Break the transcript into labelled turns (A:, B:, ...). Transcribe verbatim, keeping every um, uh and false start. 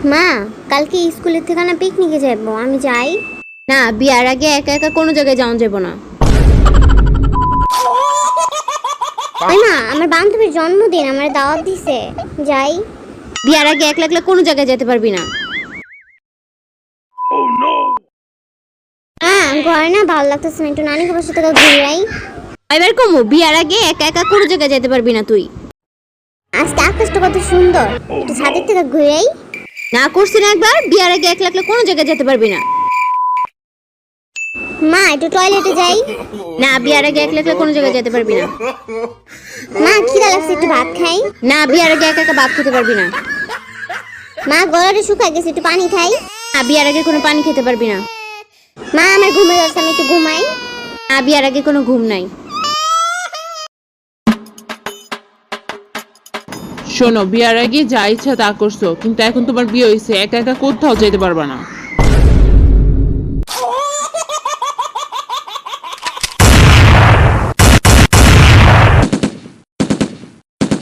A: মা, কালকে স্কুলের থেকে না পিকনিকে যাব, আমি যাই?
B: না, বিয়ার আগে একা একা কোনো জায়গায় যাওয়া যাবে না।
A: তাই না, আমার বান্ধবীর জন্মদিন, আমার দাওয়াত দিছে, যাই?
B: বিয়ার আগে একলা একলা কোনো জায়গায় যেতে পারবি না।
A: হ্যাঁ, ঘরে না ভালো লাগতেছে না, একটু নানি বাসার থেকে ঘুরে আই।
B: এবার কমু, বিয়ার আগে একা একা কোনো জায়গায় যেতে পারবি না তুই।
A: আজকে আকাশটা কত সুন্দর, একটু ছাদের থেকে ঘুরে আই।
B: না করছি না একবার, বিয়ার আগে একলা একলা কোনো জায়গায় যেতে পারবি না।
A: মা, একটু টয়লেটে যাই।
B: না, বিয়ার আগে একলা একলা কোনো জায়গায় যেতে পারবি না।
A: মা, খিদা লাগছে, একটু ভাত খাই।
B: না, বিয়ার আগে একা একা ভাত খেতে পারবি না।
A: মা, গলাটা শুকায় গেছে, একটু পানি খাই।
B: না, বিয়ার আগে কোনো পানি খেতে পারবি না।
A: মা, আমার ঘুমে যাচ্ছে, আমি একটু ঘুমাই।
B: না, বিয়ার আগে কোনো ঘুম নাই।
C: শোনো, বিয়ার আগে যা ইচ্ছা তা করছো, কিন্তু এখন তোমার বিয়ে হয়েছে, একা একা কোথাও যেতে পারবা না।